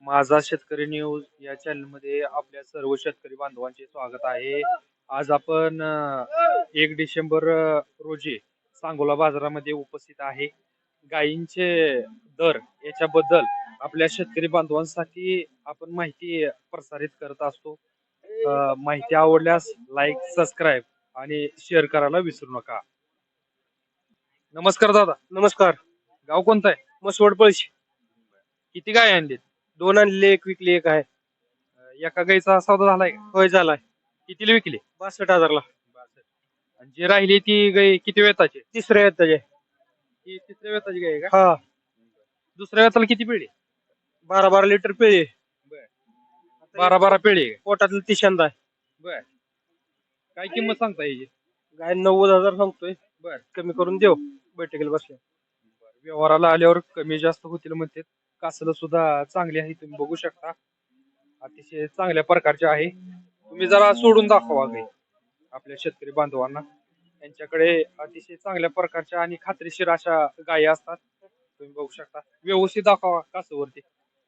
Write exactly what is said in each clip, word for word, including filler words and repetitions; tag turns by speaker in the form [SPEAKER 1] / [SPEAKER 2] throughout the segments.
[SPEAKER 1] माझा शेतकरी न्यूज या चॅनल मध्ये आपल्या सर्व शेतकरी बांधवांचे स्वागत आहे. आज आपण अ, एक डिसेंबर अ, रोजी सांगोला बाजारामध्ये उपस्थित आहे. गायींचे दर याच्याबद्दल आपल्या शेतकरी बांधवांसाठी आपण माहिती प्रसारित करत असतो. अ, माहिती आवडल्यास लाईक, सबस्क्राईब आणि शेअर करायला विसरू नका. नमस्कार दादा.
[SPEAKER 2] नमस्कार.
[SPEAKER 1] गाव कोणतं आहे?
[SPEAKER 2] मसवड पळशी.
[SPEAKER 1] किती गाय आणलीत?
[SPEAKER 2] दोन आणले, एक विकली, एक आहे.
[SPEAKER 1] अ, एका गाईचा सौदा झालाय का?
[SPEAKER 2] होय झालाय.
[SPEAKER 1] कितीला विकली?
[SPEAKER 2] बासष्ट हजारला.
[SPEAKER 1] आणि जी राहिली ती गाय किती वेताची?
[SPEAKER 2] तिसऱ्या येत त्याचे.
[SPEAKER 1] ती तिसऱ्या वेताची गाय आहे का?
[SPEAKER 2] हा.
[SPEAKER 1] दुसऱ्या वेताला किती पिळी?
[SPEAKER 2] बारा बारा लिटर पिळे.
[SPEAKER 1] बारा बारा पिळी आहे का?
[SPEAKER 2] पोटातलं तिशांदा आहे.
[SPEAKER 1] बर. काय किंमत सांगता याची?
[SPEAKER 2] गाय नव्वद हजार सांगतोय.
[SPEAKER 1] बर.
[SPEAKER 2] कमी करून देऊ बैठकीला बसल्या.
[SPEAKER 1] व्यवहाराला आल्यावर कमी जास्त होतील म्हणते. कासलं सुद्धा चांगली आहे, तुम्ही बघू शकता. अतिशय चांगल्या प्रकारचे आहे. तुम्ही जरा सोडून दाखवा गाय आपल्या शेतकरी बांधवांना. यांच्याकडे अतिशय चांगल्या प्रकारच्या आणि खात्रीशीर अशा गायी असतात. तुम्ही बघू शकता. व्यवस्थित दाखवा कासवरती.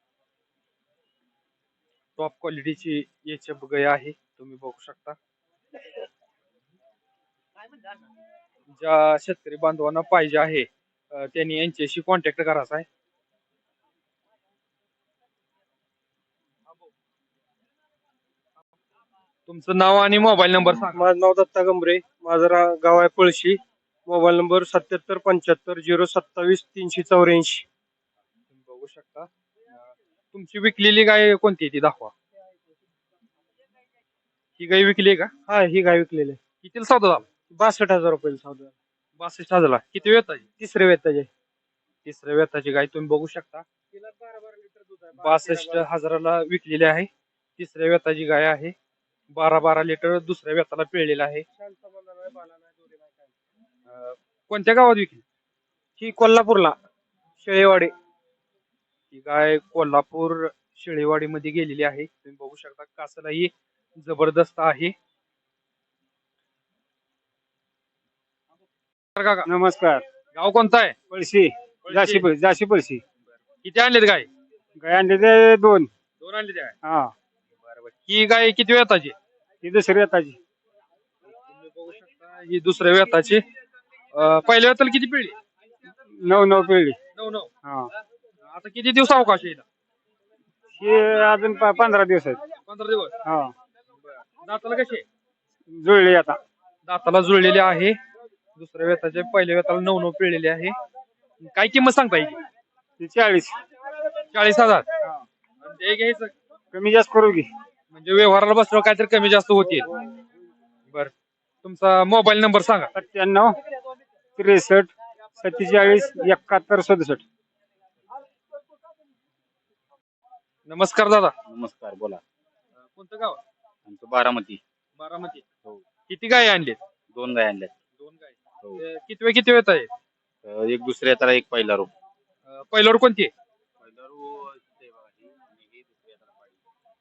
[SPEAKER 1] टॉप क्वालिटीची एच एफ गाय आहे, तुम्ही बघू शकता. ज्या शेतकरी बांधवांना पाहिजे आहे अ, त्यांनी यांच्याशी कॉन्टॅक्ट करायचा आहे. तुमचं नाव आणि मोबाईल नंबर सांगा.
[SPEAKER 2] माझं नाव दत्ता गंभरे. माझं रा- गाव आहे पळशी. मोबाईल नंबर सत्याहत्तर पंच्याहत्तर झिरो सत्तावीस तीनशे चौऱ्याऐंशी.
[SPEAKER 1] तुम्ही बघू शकता. अ, तुमची विकलेली गाय कोणती आहे ती दाखवा. ही गाय विकली आहे का?
[SPEAKER 2] हा, ही गाय विकलेली आहे.
[SPEAKER 1] कितीला सौदा झाला?
[SPEAKER 2] बासष्ट हजार रुपये सौदा.
[SPEAKER 1] बासष्ट हजारला. किती वेताची?
[SPEAKER 2] तिसरे वेत त्याचे.
[SPEAKER 1] तिसऱ्या वेताची गाय तुम्ही बघू शकता. बासष्ट हजाराला विकलेली आहे. तिसऱ्या वेताची गाय आहे. बारा बारा लिटर दुसऱ्या वेताला पिळलेला आहे. अ, कोणत्या गावात विकली?
[SPEAKER 2] ही कोल्हापूरला शेळेवाडी.
[SPEAKER 1] ही गाय कोल्हापूर शेळेवाडी मध्ये गेलेली आहे. तुम्ही बघू शकता. कासलाही जबरदस्त आहे. काका,
[SPEAKER 2] नमस्कार.
[SPEAKER 1] गाव कोणतं आहे?
[SPEAKER 2] पळशी. जाशी पळशी जाशी पळशी.
[SPEAKER 1] किती आणलेत गाय?
[SPEAKER 2] गाय आणले ते दोन.
[SPEAKER 1] दोन आणले गाय.
[SPEAKER 2] हा.
[SPEAKER 1] बरोबर. ही गाय किती वेताची?
[SPEAKER 2] ही दुसरी येताची.
[SPEAKER 1] तुम्ही बघू शकता. ही दुसऱ्या वेताची. अ, पहिल्या वेताला किती पिळली?
[SPEAKER 2] नऊ नऊ पिळली.
[SPEAKER 1] नऊ नऊ.
[SPEAKER 2] हा.
[SPEAKER 1] आता किती दिवस अवकाश येईल?
[SPEAKER 2] हे अजून प- पंधरा दिवस आहेत.
[SPEAKER 1] पंधरा दिवस.
[SPEAKER 2] हा.
[SPEAKER 1] दाताला कसे?
[SPEAKER 2] जुळली आता.
[SPEAKER 1] दाताला जुळलेले आहे. दुसऱ्या वेताचे पहिल्या वेताला नऊ नऊ पिळलेले आहे. काय किंमत सांगता येईल?
[SPEAKER 2] ती चाळीस.
[SPEAKER 1] चाळीस हजार. आणि ते घ्यायचं
[SPEAKER 2] कमी जास्त करू की.
[SPEAKER 1] म्हणजे व्यवहाराला बसल्यावर काहीतरी कमी जास्त होतील. बर. तुमचा मोबाईल नंबर सांगा.
[SPEAKER 2] सत्त्याण्णव त्रेसष्ट सत्तेचाळीस एकाहत्तर सदुसष्ट.
[SPEAKER 1] नमस्कार दादा.
[SPEAKER 3] नमस्कार, बोला.
[SPEAKER 1] अ, कोणतं गाव?
[SPEAKER 3] आमचं बारामती.
[SPEAKER 1] बारामती.
[SPEAKER 3] हो.
[SPEAKER 1] किती गाय आणलीत?
[SPEAKER 3] दोन गाय आणल्यात.
[SPEAKER 1] दोन गाय.
[SPEAKER 3] हो.
[SPEAKER 1] ते किती वेळ किती वेळ आहे?
[SPEAKER 3] अं, एक दुसऱ्या त्याला एक पहिला रो.
[SPEAKER 1] अ, पहिल्यावर कोणती आहे?
[SPEAKER 3] पहिला रो ते बघा, ही आणि ही दुसऱ्या त्याला पाहिजे.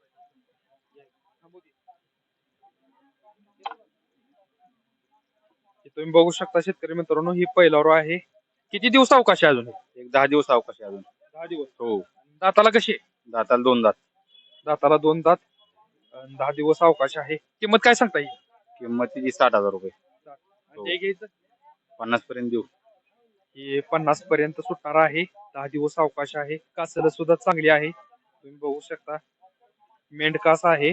[SPEAKER 1] हे तुम्ही बघू शकता शेतकरी मित्रांनो, ही पहिल्यावर आहे. किती दिवस अवकाश आहे अजून?
[SPEAKER 3] एक दहा दिवस अवकाश आहे अजून.
[SPEAKER 1] दहा दिवस.
[SPEAKER 3] हो.
[SPEAKER 1] दाताला कशी आहे?
[SPEAKER 3] दाताला दोन दात.
[SPEAKER 1] दाताला दोन दात. अन दहा दिवस अवकाश आहे. किंमत काय सांगता येईल?
[SPEAKER 3] किंमत तिची साठ हजार रुपये.
[SPEAKER 1] आणि ते घ्यायचं
[SPEAKER 3] पन्नास पर्यंत देऊ.
[SPEAKER 1] ही पन्नास पर्यंत सुटणार आहे. दहा दिवस अवकाश आहे. कासलं सुद्धा चांगली आहे, तुम्ही बघू शकता. मेंढकास आहे.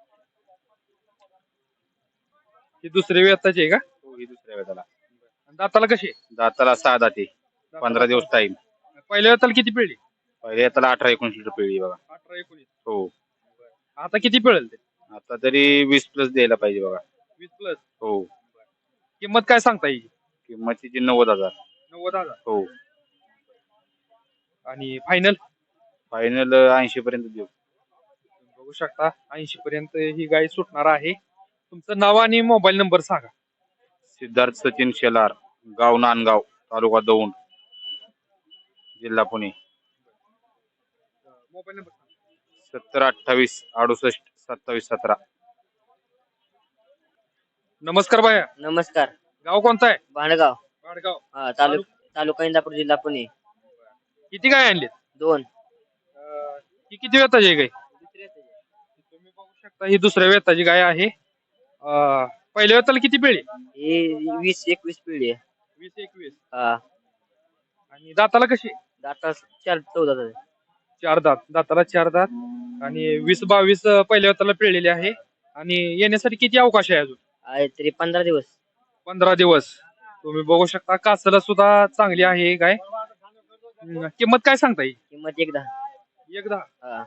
[SPEAKER 1] ही दुसरी वेताची आहे का?
[SPEAKER 3] हो, ही दुसऱ्या वेळेला.
[SPEAKER 1] आणि दाताला कशी आहे?
[SPEAKER 3] दाताला सहा दाते. पंधरा दिवस टाइम.
[SPEAKER 1] पहिल्या वेताला किती पिळली?
[SPEAKER 3] पहिल्या त्याला अठरा एकोणीस लिटर पिळली बघा.
[SPEAKER 1] अठरा एकोणीस.
[SPEAKER 3] हो.
[SPEAKER 1] आता किती पिळेल ते?
[SPEAKER 3] आता तरी वीस प्लस द्यायला पाहिजे बघा.
[SPEAKER 1] वीस प्लस.
[SPEAKER 3] हो.
[SPEAKER 1] किंमत काय सांगता येईल?
[SPEAKER 3] किंमत तिची नव्वद हजार.
[SPEAKER 1] नव्वद हजार.
[SPEAKER 3] हो.
[SPEAKER 1] आणि फायनल?
[SPEAKER 3] फायनल ऐंशी पर्यंत देऊ.
[SPEAKER 1] बघू शकता ऐंशी पर्यंत ही गाय सुटणार आहे. तुमचं नाव आणि मोबाईल नंबर सांगा.
[SPEAKER 3] सिद्धार्थ सचिन शेलार, गाव नांदगाव, तालुका दौंड, जिल्हा पुणे.
[SPEAKER 1] मोबाईल नंबर
[SPEAKER 3] सत्तर अठ्ठावीस अडुसष्ट सत्तावीस सतरा.
[SPEAKER 1] नमस्कार बाया.
[SPEAKER 4] नमस्कार.
[SPEAKER 1] गाव कोणतं आहे?
[SPEAKER 4] भांडगाव.
[SPEAKER 1] वाडगाव.
[SPEAKER 4] हा, तालुका तालुका इंदापूर जिल्हा पुणे.
[SPEAKER 1] किती गाय आणलीत?
[SPEAKER 4] दोन.
[SPEAKER 1] अं, ही किती वेताची आहे गाय? तुम्ही बघू शकता ही दुसऱ्या वेताची गाय आहे. अं, पहिल्या वेताला किती पिळी?
[SPEAKER 4] हे वीस एकवीस पिढी आहे.
[SPEAKER 1] वीस एकवीस.
[SPEAKER 4] हा
[SPEAKER 1] आणि दाताला कशी?
[SPEAKER 4] दाता चार चौदा झाले.
[SPEAKER 1] चार दात. दाताला चार दात आणि वीस बावीस अं, पहिल्या वेताला पिळलेली आहे. आणि येण्यासाठी किती अवकाश आहे अजून?
[SPEAKER 4] आहे तरी पंधरा दिवस.
[SPEAKER 1] पंधरा दिवस. तुम्ही बघू शकता कासला सुद्धा चांगली आहे गाय. हम्म, किंमत काय सांगता येईल?
[SPEAKER 4] किंमत एकदा.
[SPEAKER 1] एकदा
[SPEAKER 4] हा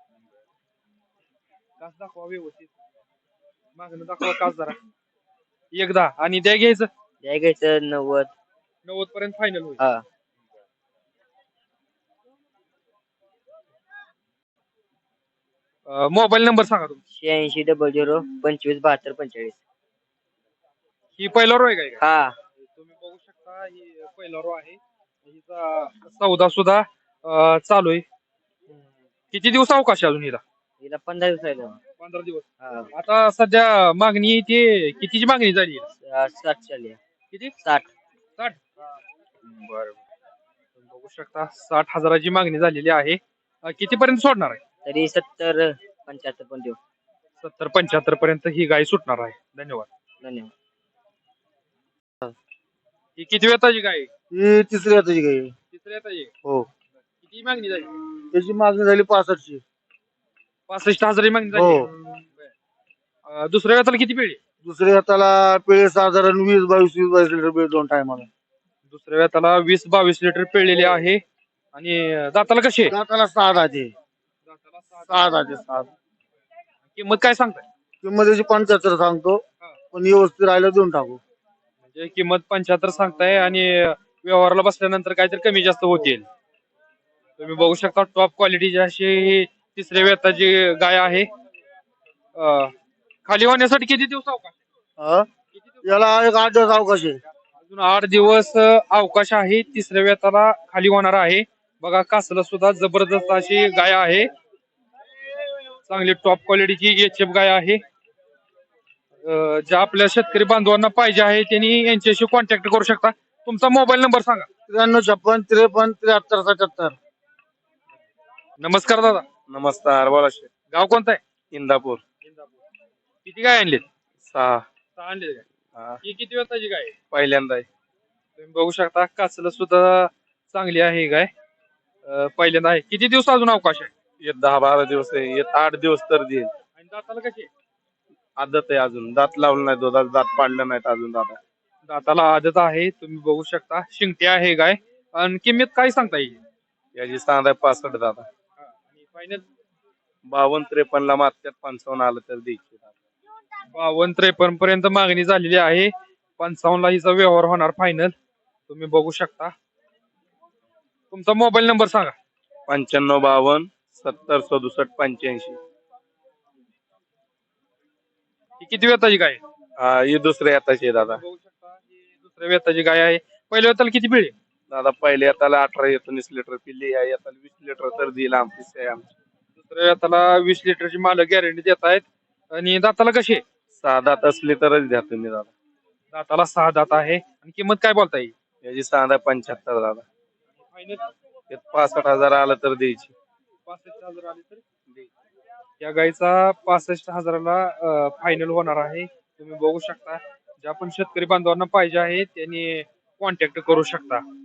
[SPEAKER 1] कास दाखवा व्यवस्थित. मागणं दाखवा कास जरा. एकदा आणि द्या घ्यायचं
[SPEAKER 4] द्या घ्यायचं नव्वद.
[SPEAKER 1] नव्वद पर्यंत फायनल होईल.
[SPEAKER 4] हा
[SPEAKER 1] मोबाईल नंबर सांगा तुमचा.
[SPEAKER 4] शहाऐंशी डबल झिरो पंचवीस बहात्तर पंचेचाळीस.
[SPEAKER 1] ही पहिला रो आहे काय?
[SPEAKER 4] हा
[SPEAKER 1] तुम्ही बघू शकता ही पहिला रो आहे. हिचा सौदा सुद्धा अं, चालू आहे. किती दिवस अवकाश आहे अजून हिला?
[SPEAKER 4] हिला पंधरा दिवस राहिले.
[SPEAKER 1] पंधरा दिवस.
[SPEAKER 4] हा
[SPEAKER 1] आता सध्या मागणी ती कितीची मागणी झाली?
[SPEAKER 4] सा- साठ चालली आहे.
[SPEAKER 1] किती?
[SPEAKER 4] साठ.
[SPEAKER 1] साठ. बरं तुम्ही बघू शकता साठ हजाराची मागणी झालेली आहे. अं, कितीपर्यंत सोडणार आहे?
[SPEAKER 4] तरी सत्तर पंच्याहत्तर पण देऊ.
[SPEAKER 1] सत्तर पंच्याहत्तर पर्यंत ही गाय सुटणार आहे. धन्यवाद.
[SPEAKER 4] धन्यवाद.
[SPEAKER 1] ही किती वेताची गाय आहे?
[SPEAKER 2] ही तिसरी हाताची गाय आहे.
[SPEAKER 1] तिसऱ्या वेताची.
[SPEAKER 2] हो
[SPEAKER 1] किती मागणी झाली?
[SPEAKER 2] त्याची मागणी झाली पासष्टची.
[SPEAKER 1] पासष्ट हजाराची मागणी झाली.
[SPEAKER 2] हो.
[SPEAKER 1] अं, दुसऱ्या वेताला किती पिळी?
[SPEAKER 2] दुसऱ्या हाताला पिळे साधारण वीस बावीस वीस बावीस लिटर पिळे दोन टायमाला.
[SPEAKER 1] दुसऱ्या वेताला वीस बावीस लिटर पिळलेली आहे. आणि दाताला कशी आहे?
[SPEAKER 2] दाताला सहा दाते.
[SPEAKER 1] दाताला सहा.
[SPEAKER 2] सहा दाते सहा.
[SPEAKER 1] किंमत काय सांगताय?
[SPEAKER 2] किंमत त्याची पंच्याहत्तर सांगतो, पण व्यवस्थित राहिलं देऊन टाकू.
[SPEAKER 1] म्हणजे किंमत पंच्याहत्तर सांगताय आणि व्यवहाराला बसल्यानंतर काहीतरी कमी जास्त होतील. तुम्ही बघू शकता टॉप क्वालिटीची अशी ही तिसऱ्या वेताची गाय आहे. अं, खाली होण्यासाठी किती दिवस अवकाश?
[SPEAKER 2] हा?
[SPEAKER 1] किती दिवस?
[SPEAKER 2] याला एक आठ दिवस अवकाश आहे.
[SPEAKER 1] अजून आठ दिवस अं, अवकाश आहे. तिसऱ्या वेताला खाली होणार आहे. बघा कासला सुद्धा जबरदस्त अशी गाय आहे. चांगली टॉप क्वालिटीची एच एफ गाय आहे. अं, ज्या आपल्या शेतकरी बांधवांना पाहिजे आहे त्यांनी यांच्याशी कॉन्टॅक्ट करू शकता. तुमचा मोबाईल नंबर सांगा.
[SPEAKER 2] त्र्याण्णव छप्पन त्रेपन्न त्र्याहत्तर सत्याहत्तर.
[SPEAKER 1] नमस्कार दादा.
[SPEAKER 3] नमस्कार बोला शेठ.
[SPEAKER 1] गाव कोणतं आहे?
[SPEAKER 3] इंदापूर.
[SPEAKER 1] किती गाय आणलीत?
[SPEAKER 3] सहा.
[SPEAKER 1] सहा आणलीत काय?
[SPEAKER 3] हा,
[SPEAKER 1] ही किती वेताची गाय आहे?
[SPEAKER 3] पहिल्यांदा आहे.
[SPEAKER 1] तुम्ही बघू शकता कासला सुद्धा चांगली आहे ही गाय. अं, पहिल्यांदा आहे. किती दिवस अजून अवकाश आहे?
[SPEAKER 3] येत दहा बारा दिवस आहे. येत आठ दिवस तर देईल.
[SPEAKER 1] आणि दाताला कशी आहे?
[SPEAKER 3] आदत आहे अजून. दात लावलं नाही, दुधात दात पाडलं नाहीत अजून दादा.
[SPEAKER 1] दाताला आदत आहे. तुम्ही बघू शकता शिंगटी आहे गाय. आणि किंमत काय सांगता येईल?
[SPEAKER 3] याची सांगा पासष्ट दादा.
[SPEAKER 1] आणि फायनल
[SPEAKER 3] बावन्न त्रेपन्न ला मागच्यात पंचावन्न आलं तर द्यायची दादा.
[SPEAKER 1] बावन्न त्रेपन्न पर्यंत मागणी झालेली आहे. पंचावन्न ला हिचा व्यवहार होणार फायनल. तुम्ही बघू शकता. तुमचा मोबाईल नंबर सांगा.
[SPEAKER 3] पंच्याण्णव बावन्न सत्तर सदुसष्ट पंच्याऐंशी.
[SPEAKER 1] ही किती वेताची गाय आहे?
[SPEAKER 3] हा ही दुसऱ्या येताची आहे दादा.
[SPEAKER 1] बघू शकता ही दुसऱ्या वेताची गाय आहे. पहिल्या वेताला किती पिळे?
[SPEAKER 3] दादा पहिल्या येताला अठरा एकोणीस लिटर पिल्ली, या येताला वीस लिटर तर देईल आमची आहे आमची.
[SPEAKER 1] दुसऱ्या वेताला वीस लिटरची मालक गॅरंटी देत आहेत. आणि दाताला कशी आहे?
[SPEAKER 3] सहा दात असली तरच द्या तुम्ही दादा.
[SPEAKER 1] दाताला सहा दात आहे. आणि किंमत काय बोलता येईल?
[SPEAKER 3] याची सांगा पंच्याहत्तर दादा.
[SPEAKER 1] फायनल
[SPEAKER 3] यात पासष्ट हजार आलं तर द्यायची.
[SPEAKER 1] पासष्ट हजार आले तर दे. या गायचा पासष्ट हजाराला फायनल होणार आहे. तुम्ही बघू शकता. ज्या पण शेतकरी बांधवांना पाहिजे आहे त्यांनी कॉन्टॅक्ट करू शकता.